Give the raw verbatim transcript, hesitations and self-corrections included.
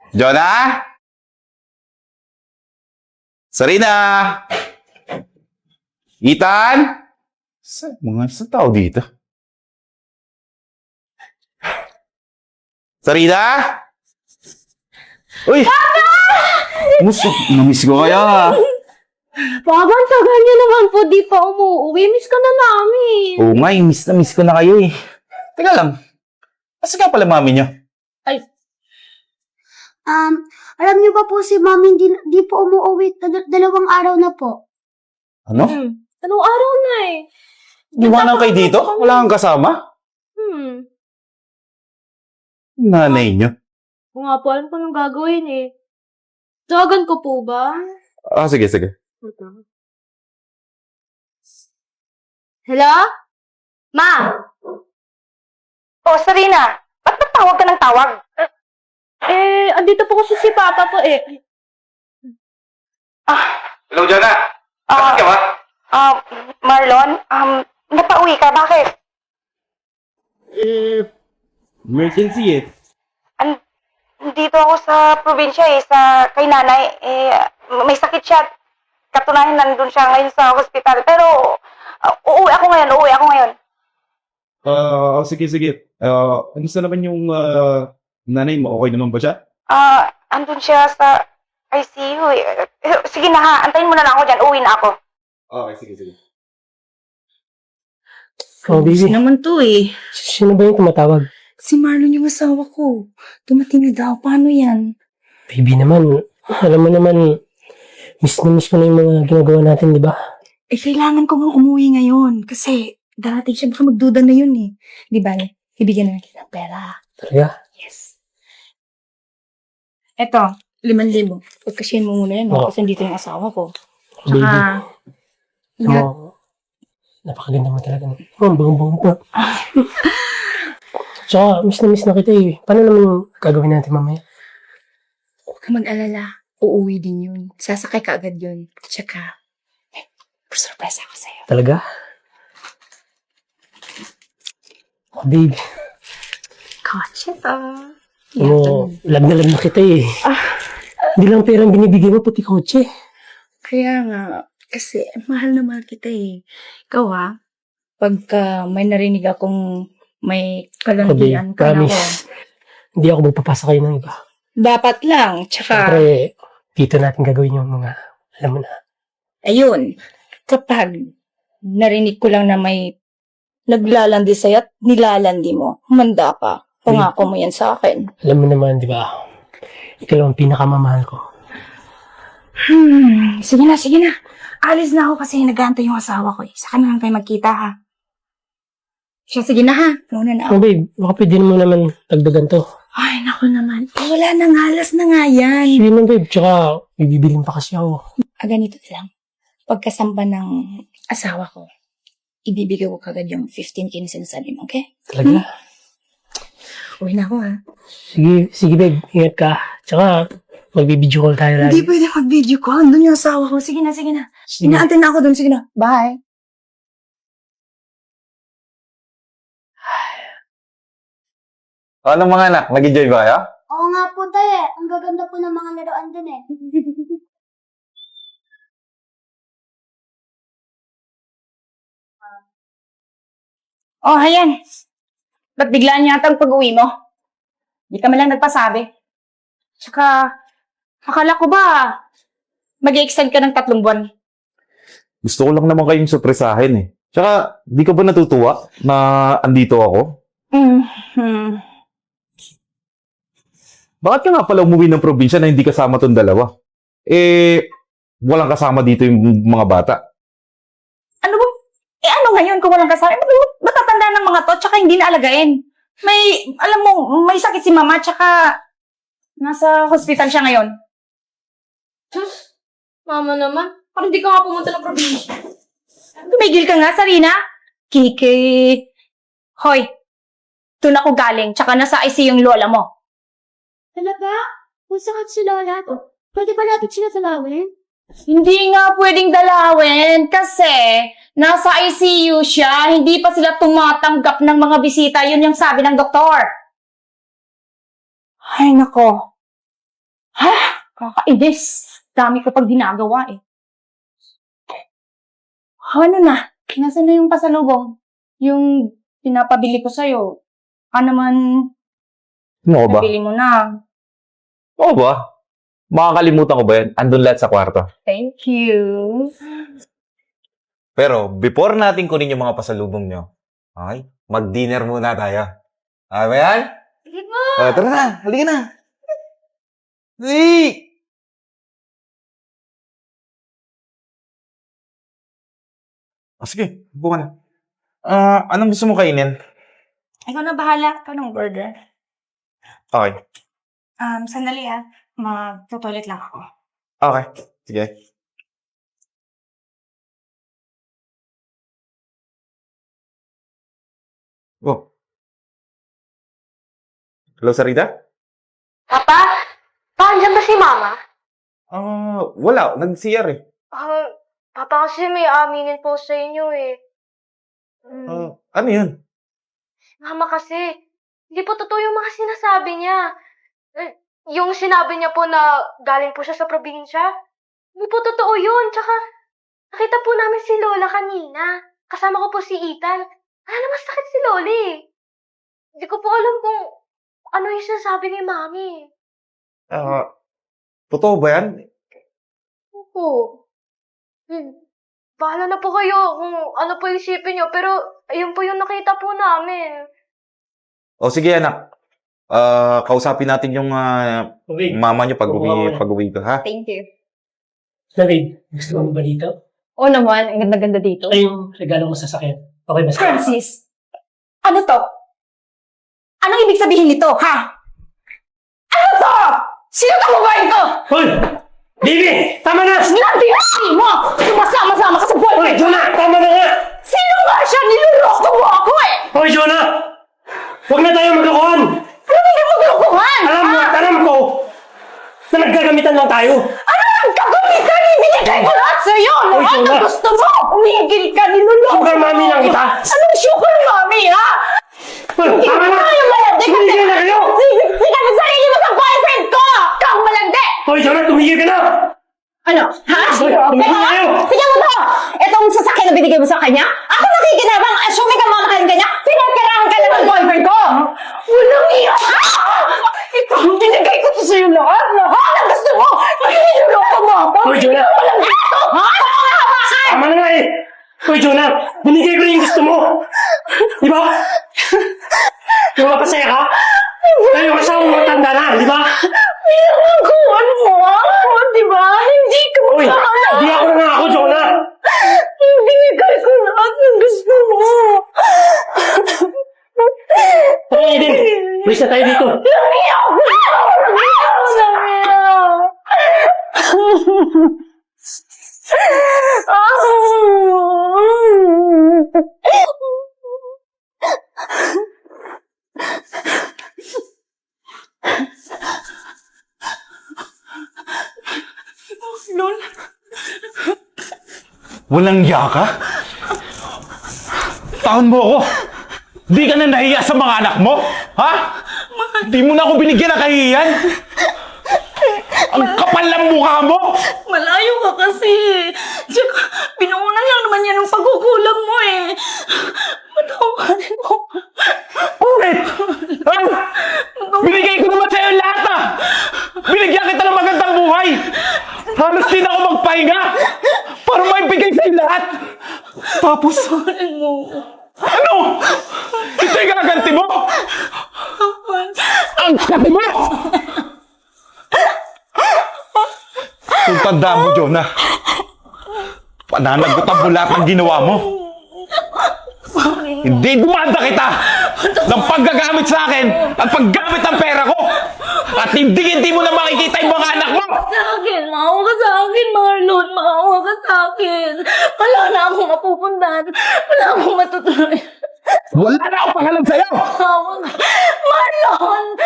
Jonah? Sarina? Ethan? Sa mga sa tao dito? Sarina? Uy! Musto, namiss ko kaya. Papa, ang tagal niyo naman po di pa umuwi. Miss ka na namin. Oo nga, eh, miss na miss ko na kayo eh. Teka lang, asa ka pala mami niyo? Ay, Um, alam niyo ba po si Mami di, di po umuwi dal- dalawang araw na po. Ano? hmm. Anong araw na eh? Iwanan kayo dito? Wala kang kasama? Hmm. Nanay niyo? Kung nga po, alam ko nung gagawin eh. Tawagan ko po ba? Ah, sige, sige. Hello? Ma? Oh, Sarina, ba't ba't tawag ka ng tawag? Eh, andito po kasi si Papa po eh. Ah, Hello, Jonah. Ah. ka ba? um, Marlon, um, napauwi ka, bakit? Eh, emergency eh. An dito ako sa probinsya eh, sa kay nanay, eh, may sakit siya. Katunayan nandun siya ngayon sa hospital, pero uh, uuwi ako ngayon, uuwi ako ngayon. Ah, oh, sige, sige. Ah, ano sa naman yung ah, nanay mo? Okay naman ba siya? Ah, andun siya sa I C U eh. Eh, Sige na ha, antayin mo na lang ako dyan, uuwi na ako. Okay, sige, sige. Oh, baby. naman to eh. Sino ba yung tumatawag? Si Marlon yung asawa ko. Dumating na daw. Paano yan? Baby naman, alam mo naman, miss na miss ko na yung mga ginagawa natin, di ba? Eh, kailangan ko nga umuwi ngayon. Kasi darating siya. Baka magduda na yun eh. Di ba? Ibigyan na natin ng pera. Talaga? Yes. Eto, liman libo. Pagkasyahin mo muna yan. Oo. Kasi dito yung asawa ko. Baby, Tsaka, alam mo, napakaganda mo talaga. Oh, ang bangang-bango pa. Tsaka, miss na miss na kita eh. Paano naman gagawin natin mamaya? huwag ka mag-alala. Uuwi din yun. Sasakay ka agad yun. Tsaka, eh, surprise ako sa'yo. Talaga? Oh, baby. Kotse to. Alam mo, lag na lag na kita eh. Hindi lang perang binibigay mo, pati kotse. Kaya nga, kasi mahal na mahal kita eh. Ikaw ha, pagka may narinig akong may kalandian ka na ako. Promise. Hindi ako magpapasa kayo ng iba. Dapat lang, tsaka, Siyempre, dito natin gagawin yung mga, alam mo na. ayun, kapag narinig ko lang na may naglalandi sa'yo at nilalandi mo, humanda ka. Pangako mo yan sa akin. Alam mo naman, di ba? Ikaw lang ang pinakamamahal ko. Hmm, sige na, sige na. Alis na ako kasi nag-aantay yung asawa ko eh. Saka na lang tayo magkita ha. Siya, sige na ha. Muna na ako. Oh, babe, baka pwede mo naman dagdagan to. Ay, naku naman. Eh, wala nang halas na nga yan. Sige na, babe. Tsaka, bibibilin pa kasi ako. Ah, ganito na lang. Pagkasamba ng asawa ko, ibibigay ko kagad yung fifteen K na sinasabi mo, okay? Talaga? Uwi na ako ha. Sige, sige, babe. Ingat ka. Tsaka, magbibideo call tayo lagi. Hindi pwede mag-video ko. Andun yung asawa ko. Sige na, sige na. Sige. Inaantay na ako dun. Sige na. Bye. Ano mga anak? Nag-enjoy ba kayo? Oo nga po tayo eh. Ang gaganda po ng mga laruan dun eh. Oh, ayan. Ba't biglaan yata ang pag-uwi mo? Di ka man lang nagpasabi. Tsaka, akala ko ba, mag-i-extend ka ng tatlong buwan? Gusto ko lang naman kayong surpresahin eh. Tsaka, di ka ba natutuwa na andito ako? Mm-hmm. Bakit ka nga pala umuwi ng probinsya na hindi kasama tong dalawa? Eh, walang kasama dito yung mga bata. Ano ba? Eh ano ngayon kung walang kasama? Eh, ba't matatanda ng mga to, tsaka hindi naalagain? May, alam mo, may sakit si mama, tsaka nasa hospital siya ngayon. Mama naman. Parang di ka nga pumunta ng probinsya. Tumigil ka nga, Sarina. Kiki. Hoy, doon ako galing, tsaka nasa I C U yung lola mo. Talaga? Kung sakit si Lola, pwede ba natin sila talawin? Hindi nga pwedeng dalawin kasi nasa I C U siya, hindi pa sila tumatanggap ng mga bisita. Yun yung sabi ng doktor. Ay, nako. Kakainis. Dami ko pag ginagawa eh. Ano na? Nasaan na yung pasalubong? Yung pinapabili ko sa'yo. Ka naman, Ano ba? nabili mo na. Oo ba? Makakalimutan ko ba yan? Andun lahat sa kwarto. Thank you. Pero, before natin kunin yung mga pasalubong nyo, okay, mag-dinner muna tayo. Okay ba yan? Sige mo! O, tara na. Halika na. Hey! Ah, sige, upo ka na. Ah, anong gusto mo kainin? Ikaw na bahala. Ikaw ng burger. Okay. Um, sandali ah. Mag-toilet lang ako. Okay. Sige. Oh. Hello, Sarita? Papa? Pa, andyan ba si Mama? Ah, wala. Nag-C R eh. Ah, Papa kasi may aminin po sa inyo eh. Mm, Ah, ano yun? Mama kasi, hindi po totoo yung mga sinasabi niya. Eh, yung sinabi niya po na galing po siya sa probinsya, hindi po totoo yun. Tsaka, nakita po namin si Lola kanina. Kasama ko po si Ethan. Wala naman sakit si Loli. Hindi ko po alam kung ano yung sinasabi ni Mami. Ah, totoo ba yan? Opo. Hmm. Bahala na po kayo kung ano po yung isipin niyo, pero ayun po yung nakita po namin. O sige, anak. Ah, kausapin natin yung ah, Okay. mama niyo pag Oo, uwi, mamaya. pag uwi ka, ha? Thank you. David, gusto mo ba dito? Oo naman, ang ganda-ganda dito. Ay, yung regalo mo sa sakyan. Okay ba sa'yo? Francis, ano to? Anong ibig sabihin nito, ha? Ano to? Sino ka boyfriend ko? Hoy! Baby! Tama na! Nandiyan mo! Sumasama-sama ka sa Hoy, boyfriend ko! Jonah! Tama na nga! Sino nga siya? Niloloko mo ako eh! Hoy, Jonah! Huwag na tayo maglokohan! Ano hindi mo gulukuhan? Alam mo at alam ko na naggagamitan lang tayo. Ano ang kagamitan? Ibinigay ko lahat sa'yo! Hoy, Lahat Jonah! na gusto mo! Umigil ka, niloloko Sugar mommy lang kita. Anong sugar mommy, ha? Hoy, Hindi tama mo na! tayo malandi kasi... Tumigil na kayo! Hindi ka sa sarili mo sa boyfriend ko! Kang malandi! Hoy, Jonah! Tumigil ka na! Ano? Ha? Hoy, Sino? tumigil na Ha? kayo! Sige mo to! Itong sasakyan na binigay mo sa kanya? Ako nakikinabang, assuming ka mamahalin ka niya, pinagkarahan ka na ng boyfriend ko! Walang iya! Ito, binigay ko to sa'yo lahat! Lahat ang gusto mo! Niloloko mo ako! Hoy, Jonah! Walang ito! Ha? Ano ka hawakan? Tama na nga eh! Hoy, Jonah! Binigay ko na yung gusto mo! Di ba? Di ba masaya ka? Tayo kasama mo matanda na, di ba? Pinangkuhan mo ako, di ba? Hindi ka Hoy! makakala. Di ako na ako, Jonah! Binigay ko lahat ng gusto mo. Hoy, Aiden! Wish na tayo dito! Namiyak ko! Namiyak ko! Namiyak! Walang iya ka? Taon mo ako! Di ka na nahiya sa mga anak mo? Ha? Di mo na ako binigyan ng kahihiyan? Ang kapal ng mukha mo! Malayo ka kasi. Tsaka, pinuunan lang naman yan ng pagkukulang mo eh. Matawarin mo. Bakit? Ha? Binigay ko naman sa'yo lahat ah! Binigyan kita ng magandang buhay! Halos din ako magpahinga! Para maibigay sa'yo lahat! Tapos, ano? Ito yung gaganti mo? Ang kati mo! Kung tandaan mo, Jonah, pananagutan mo lahat ng ginawa mo. Hindi dumanda kita ng paggagamit sa akin at paggamit ng pera ko. At hindi hindi mo na makikita yung mga anak mo. Sa akin, maawa ka sa akin, Marlon. Maawa ka sa akin. Wala na akong mapupuntahan. Wala akong matutuloy. Wala na akong pangalan sa'yo. Maawa ka. Marlon!